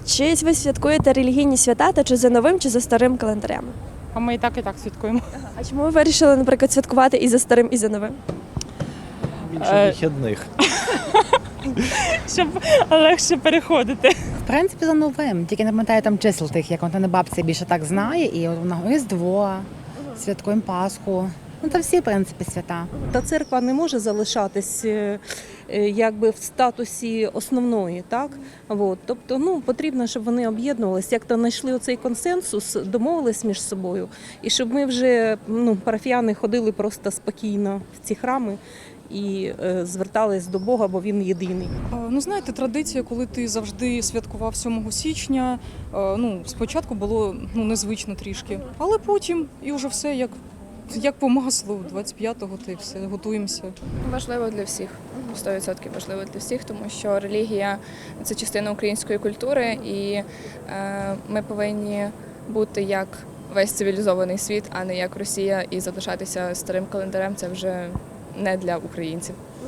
Чи ви святкуєте релігійні свята та чи за новим, чи за старим календарем? А ми і так святкуємо. А чому ви вирішили, наприклад, святкувати і за старим, і за новим? Більше вихідних. Щоб легше переходити. В принципі, за новим, тільки не пам'ятаю там чисел тих, як вона бабця більше так знає, і от вона Різдво, святкуємо Пасху. Ну, та всі, в принципі, свята. Та церква не може залишатись якби в статусі основної, так? От. Тобто, потрібно, щоб вони об'єднувалися, як-то знайшли оцей консенсус, домовились між собою, і щоб ми вже, парафіяни, ходили просто спокійно в ці храми і звертались до Бога, бо Він єдиний. Ну, знаєте, традиція, коли ти завжди святкував 7 січня, спочатку було незвично трішки, але потім і вже все як по маслу, 25-го та й все, готуємося. Важливо для всіх, 100% важливо для всіх, тому що релігія – це частина української культури, і ми повинні бути як весь цивілізований світ, а не як Росія, і залишатися старим календарем – це вже не для українців.